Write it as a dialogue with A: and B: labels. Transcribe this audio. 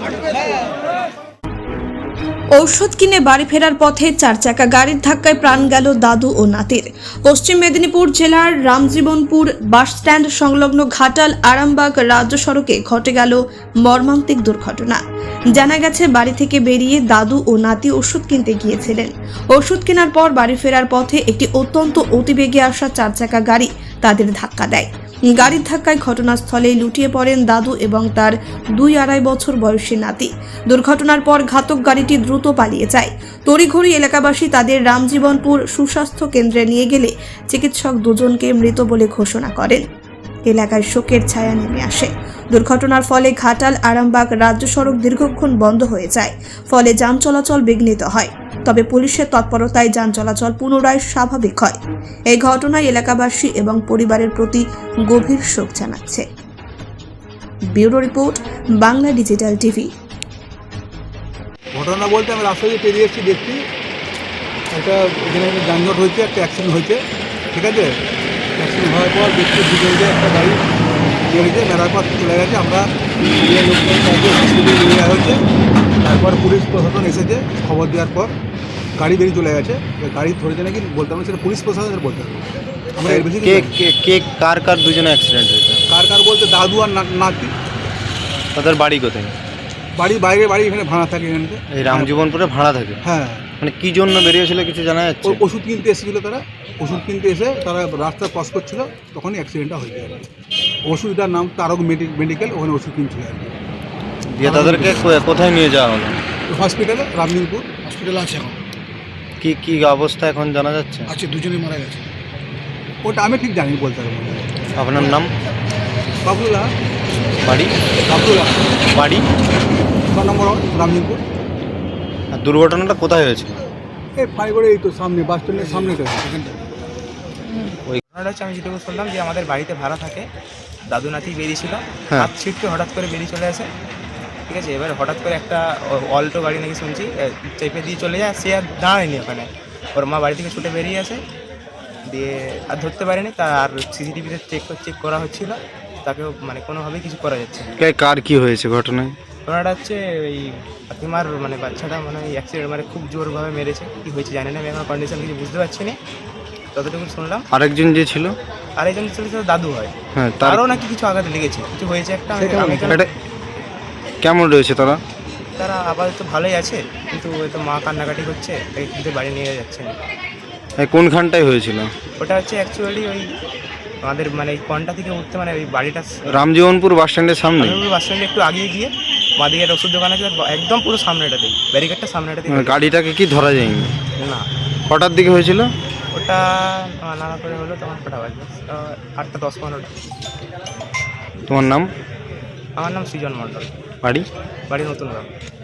A: ঔষধ কিনে বাড়ি ফেরার পথে চার চাকা গাড়ির ধাক্কায় প্রাণ গেল দাদু ও নাতির। পশ্চিম মেদিনীপুর জেলার রামজীবনপুর বাসস্ট্যান্ড সংলগ্ন ঘাটাল আরামবাগ রাজ্য সড়কে ঘটে গেল মর্মান্তিক দুর্ঘটনা। জানা গেছে, বাড়ি থেকে বেরিয়ে দাদু ও নাতি ওষুধ কিনতে গিয়েছিলেন। ওষুধ কেনার পর বাড়ি ফেরার পথে একটি অত্যন্ত অতিবেগে আসা চার চাকা গাড়ি তাদের ধাক্কা দেয়। গাড়ির ধাক্কায় ঘটনাস্থলেই লুটিয়ে পড়েন দাদু এবং তার 2-2.5 বছর বয়সী নাতি। দুর্ঘটনার পর ঘাতক গাড়িটি দ্রুত পালিয়ে যায়। তড়িঘড়ি এলাকাবাসী তাদের রামজীবনপুর সুস্বাস্থ্য কেন্দ্রে নিয়ে গেলে চিকিৎসক দুজনকে মৃত বলে ঘোষণা করেন। এলাকায় শোকের ছায়া নেমে আসে। দুর্ঘটনার ফলে ঘাটাল আরামবাগ রাজ্য সড়ক দীর্ঘক্ষণ বন্ধ হয়ে যায়, ফলে যান চলাচল বিঘ্নিত হয়। তবে পুলিশের তৎপরতায় যান চলাচল পুনরায় স্বাভাবিক হয়। এই ঘটনায় এলাকাবাসী এবং পরিবারের প্রতি গভীর শোক জানাচ্ছে। Bureau report, Bangla digital TV.
B: ঘটনা বলতে আমি রাস্তা দিয়ে পেরিয়ে এসেছি, দেখছি একটা এখানে একটা যানজট হয়েছে, একটা অ্যাক্সিডেন্ট হয়েছে। ঠিক আছে, অ্যাক্সিডেন্ট হওয়ার পর দেখছি দুজনকে একটা গাড়ি বেরিয়েছে, মেরার পর চলে গেছে। আমরা লোকজন হসপিটালে নিয়ে যাওয়া হয়েছে। তারপর পুলিশ প্রশাসন এসেছে, খবর দেওয়ার পর গাড়ি বেরিয়ে চলে গেছে। গাড়ি ধরেছে নাকি বলতে হবে, সেটা পুলিশ প্রশাসনের বলতে হবে। আমরা এর বেশি
C: কার দুজনে অ্যাক্সিডেন্ট হয়েছে?
B: কার বলতে দাদু আর নাতি।
C: তাদের বাড়ি কোথায়?
B: বাড়ি বাইরে, বাড়ি এখানে ভাড়া থাকে এখানে।
C: এই রামজীবনপুরে ভাড়া থাকে?
B: হ্যাঁ।
C: মানে কি জন্য বেরিয়েছিল কিছু জানা যাচ্ছে?
B: ওষুধ কিনতে এসেছিলো তারা। ওষুধ কিনতে এসে তারা রাস্তা ক্রস করছিল, তখনই অ্যাক্সিডেন্টটা হয়ে যায়। ওষুধটার নাম তারক মেডিকেল, ওখানে ওষুধ কিনছিল আর কি।
C: দিয়ে তাদেরকে কোথায় নিয়ে যাওয়া হলো?
B: হসপিটালে, রামজীবনপুর হসপিটালে আছে এখন।
C: কি অবস্থা এখন জানা যাচ্ছে?
B: আছে, দুজনেই মারা গেছে। ওটা আমি ঠিক জানি, বলতে পারবো না।
C: আপনার নাম?
B: বাবুল্লাহ।
C: বাড়ি?
B: বাবুল্লাহ।
C: বাড়ি
B: 6 নম্বর রামজীবনপুর।
C: আর দুর্ঘটনাটা কোথায় হয়েছে?
B: এই ফাইবারে, এই তো সামনে বাস স্ট্যান্ডের সামনে তো এখানটা।
D: ঘটনাটা হচ্ছে, আমি যেটুকু শুনলাম যে আমাদের বাড়িতে ভাড়া থাকে, দাদু নাতি বেরিয়েছিল, হাত ছিটকে হঠাৎ করে বেরিয়ে চলে আসে। ঠিক আছে, এবার হঠাৎ করে একটা অল্টো গাড়ি নাকি শুনছি চেপে দিয়ে চলে যায়। সে আর দাঁড়ায়নি ওখানে, ওর মা বাড়ি থেকে ছুটে বেরিয়ে আসে, দিয়ে আর ধরতে পারেনি। আর সিসিটিভিতে চেক করা হচ্ছিল, তাকেও মানে কোনোভাবেই কিছু করা যাচ্ছে না।
C: কার কি হয়েছে ঘটনায়?
D: ঘটনাটা হচ্ছে ওই ফাতিমার মানে বাচ্চাটা মানে অ্যাক্সিডেন্ট, মানে খুব জোরভাবে মেরেছে। কী হয়েছে জানি না, আমি এখন কন্ডিশন কিছু বুঝতে পারছি না, ততটুকু শুনলাম।
C: আরেকজন যে ছিল?
D: আরেকজন ছিল দাদু হয়।
C: হ্যাঁ,
D: তারও নাকি কিছু আঘাত লেগেছে, কিছু হয়েছে একটা।
C: কেমন রয়েছে তারা?
D: তারা আপাতত ভালোই আছে, কিন্তু হয়তো মা কান্নাকাটি করছে, তাই কিন্তু বাড়ি নিয়ে যাচ্ছে না।
C: কোনখানটায় হয়েছিল?
D: ওটা হচ্ছে অ্যাকচুয়ালি ওই আমাদের মানে এই কনটা থেকে উঠতে, মানে ওই বাড়িটা
C: রামজীবনপুর বাস স্ট্যান্ডের সামনে।
D: বাস স্ট্যান্ডে একটু আগিয়ে গিয়ে বাঁদিকে একটা ওষুধ দোকান আছে, একদম পুরো সামনেটাতেই, ব্যারিকেডটা সামনেটাতেই।
C: গাড়িটাকে কি ধরা যায়নি?
D: না।
C: কটার দিকে হয়েছিল
D: ওটা? নানা করে হলো তখন কটা বাজবে, 8টা 10-15।
C: তোমার নাম?
D: আমার নাম সৃজন মণ্ডল।
C: বাড়ি?
D: বাড়ি নতুন গ্রাম।